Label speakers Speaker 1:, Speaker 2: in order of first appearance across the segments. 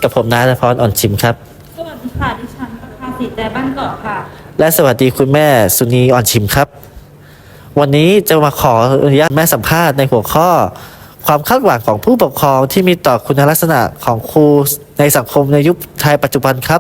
Speaker 1: กับผมนายณพรอ่อนชิมครับ
Speaker 2: สวัสดีค่ะดิฉันประภาสีแต่บ้านเกาะค่ะ
Speaker 1: และสวัสดีคุณแม่สุนีอ่อนชิมครับวันนี้จะมาขออนุญาตแม่สัมภาษณ์ในหัวข้อความคาดหวังของผู้ปกครองที่มีต่อคุณลักษณะของครูในสังคมในยุคไทยปัจจุบันครับ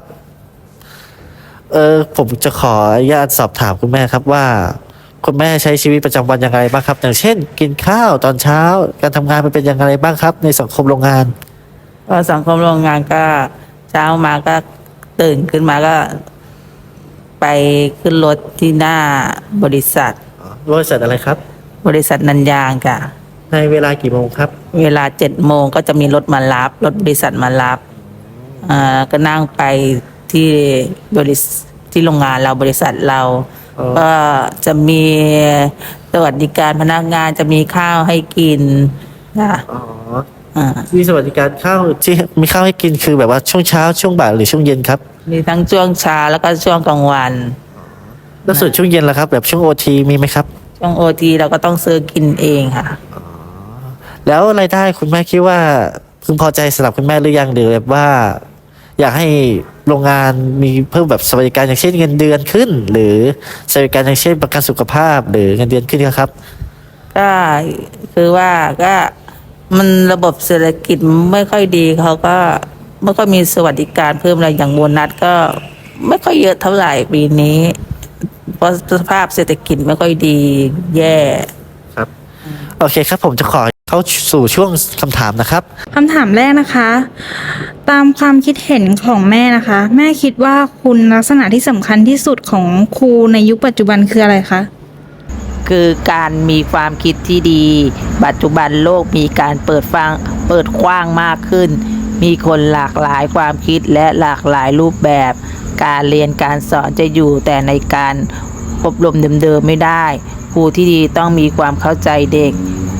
Speaker 1: ผมจะขออนุญาตสอบถามคุณแม่ครับว่าคุณแม่ใช้ชีวิตประจำวันอย่างไรบ้างครับอย่างเช่นกินข้าวตอนเช้าการทำงานมันเป็นอย่างไรบ้างครับในสังคมโรงงาน
Speaker 3: ก็สังคมโรงงานก็เช้ามาก็ตื่นขึ้นมาก็ไปขึ้นรถที่หน้าบริษัท
Speaker 1: บริษัทอะไรครับ
Speaker 3: บริษัทนันยางค่ะ
Speaker 1: ในเวลากี่โมงครับ
Speaker 3: เวลา7 โมงก็จะมีรถมารับรถบริษัทมารับก็นั่งไปที่บริษัทที่โรงงานเราบริษัทเราก็จะมีสวัสดิการพนักงานจะมีข้าวให้กินนะ
Speaker 1: มีสวัสดิการข้าวที่มีข้าวให้กินคือแบบว่าช่วงเช้าช่วงบ่ายหรือช่วงเย็นครับ
Speaker 3: มีทั้งช่วงเช้าแล้วก็ช่วงกลางวัน
Speaker 1: แล้วส่วนช่วงเย็นล่ะครับแบบช่วงโอทีมีไหมครับ
Speaker 3: ช่วงโอทีเราก็ต้องซื้อกินเองค่ะ
Speaker 1: แล้วรายได้คุณแม่คิดว่าพึงพอใจสำหรับคุณแม่หรือยังหรือแบบว่าอยากให้โรงงานมีเพิ่มแบบสวัสดิการอย่างเช่นเงินเดือนขึ้นหรือสวัสดิการอย่างเช่นประกันสุขภาพหรือเงินเดือนขึ้นครับ
Speaker 3: ก็คือว่าก็มันระบบเศรษฐกิจไม่ค่อยดีเขาก็ไม่ค่อยมีสวัสดิการเพิ่มอะไรอย่างโบนัสก็ไม่ค่อยเยอะเท่าไหร่ปีนี้เพราะสภาพเศรษฐกิจไม่ค่อยดีแย่
Speaker 1: ครับโอเคครับผมจะขอเข้าสู่ช่วงคำถามนะครับ
Speaker 2: คำถามแรกนะคะตามความคิดเห็นของแม่นะคะแม่คิดว่าคุณลักษณะที่สำคัญที่สุดของครูในยุคปัจจุบันคืออะไรคะ
Speaker 3: คือการมีความคิดที่ดีปัจจุบันโลกมีการเปิดกว้างมากขึ้นมีคนหลากหลายความคิดและหลากหลายรูปแบบการเรียนการสอนจะอยู่แต่ในการอบรมเดิมๆไม่ได้ครูที่ดีต้องมีความเข้าใจเด็ก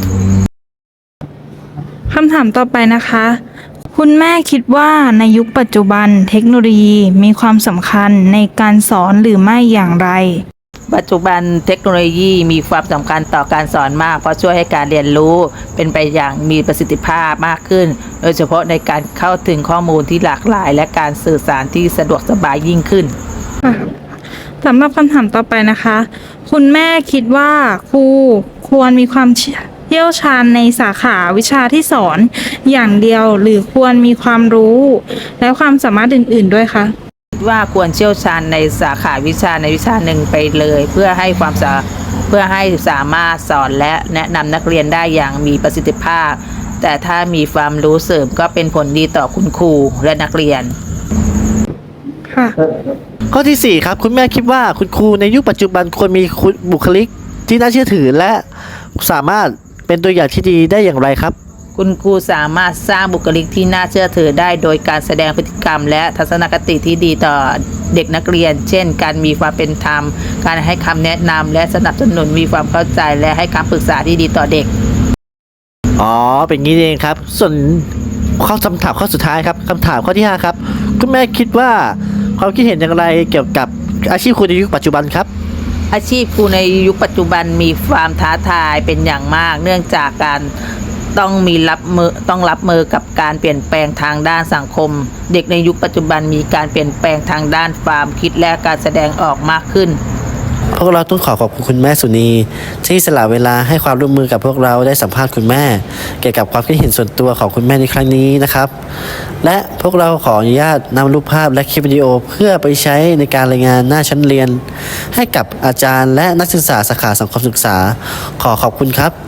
Speaker 2: คำถามต่อไปนะคะคุณแม่คิดว่าในยุคปัจจุบันเทคโนโลยีมีความสำคัญในการสอนหรือไม่อย่างไร
Speaker 3: ปัจจุบันเทคโนโลยีมีความสำคัญต่อการสอนมากเพราะช่วยให้การเรียนรู้เป็นไปอย่างมีประสิทธิภาพมากขึ้นโดยเฉพาะในการเข้าถึงข้อมูลที่หลากหลายและการสื่อสารที่สะดวกสบายยิ่งขึ้น
Speaker 2: สำหรับคำถามต่อไปนะคะคุณแม่คิดว่าครูควรมีความเชี่ยวชาญในสาขาวิชาที่สอนอย่างเดียวหรือควรมีความรู้และความสามารถอื่นๆด้วยคะ
Speaker 3: ว่าควรเชี่ยวชาญในสาขาวิชาในวิชาหนึ่งไปเลยเพื่อให้สามารถสอนและแนะนำนักเรียนได้อย่างมีประสิทธิภาพแต่ถ้ามีความรู้เสริมก็เป็นผลดีต่อคุณครูและนักเรียน
Speaker 2: ค่ะ
Speaker 1: ข้อที่4ครับคุณแม่คิดว่าคุณครูในยุคปัจจุบันควรมีบุคลิกที่น่าเชื่อถือและสามารถเป็นตัวอย่างที่ดีได้อย่างไรครับ
Speaker 3: คุณครูสามารถสร้างบุคลิกที่น่าเชื่อถือได้โดยการแสดงพฤติกรรมและทัศนคติที่ดีต่อเด็กนักเรียนเช่นการมีความเป็นธรรมการให้คำแนะนำและสนับสนุนมีความเข้าใจและให้คำปรึกษาที่ดีต่อเด็ก
Speaker 1: เป็นงี้เองครับส่วนคำถามข้อสุดท้ายครับคำถามข้อที่5ครับคุณแม่คิดว่าความคิดเห็นอย่างไรเกี่ยวกับอาชีพครูในยุคปัจจุบันครับ
Speaker 3: อาชีพครูในยุคปัจจุบันมีความท้าทายเป็นอย่างมากเนื่องจากการต้องรับมือกับการเปลี่ยนแปลงทางด้านสังคมเด็กในยุคปัจจุบันมีการเปลี่ยนแปลงทางด้านความคิดและการแสดงออกมากขึ้น
Speaker 1: พวกเราต้องขอบคุณแม่สุนีที่สละเวลาให้ความร่วมมือกับพวกเราได้สัมภาษณ์คุณแม่เกี่ยวกับความคิดเห็นส่วนตัวของคุณแม่ในครั้งนี้นะครับและพวกเราขออนุญาตนำรูปภาพและคลิปวิดีโอเพื่อไปใช้ในการรายงานหน้าชั้นเรียนให้กับอาจารย์และนักศึกษาสาขาสังคมศึกษาขอบคุณครับ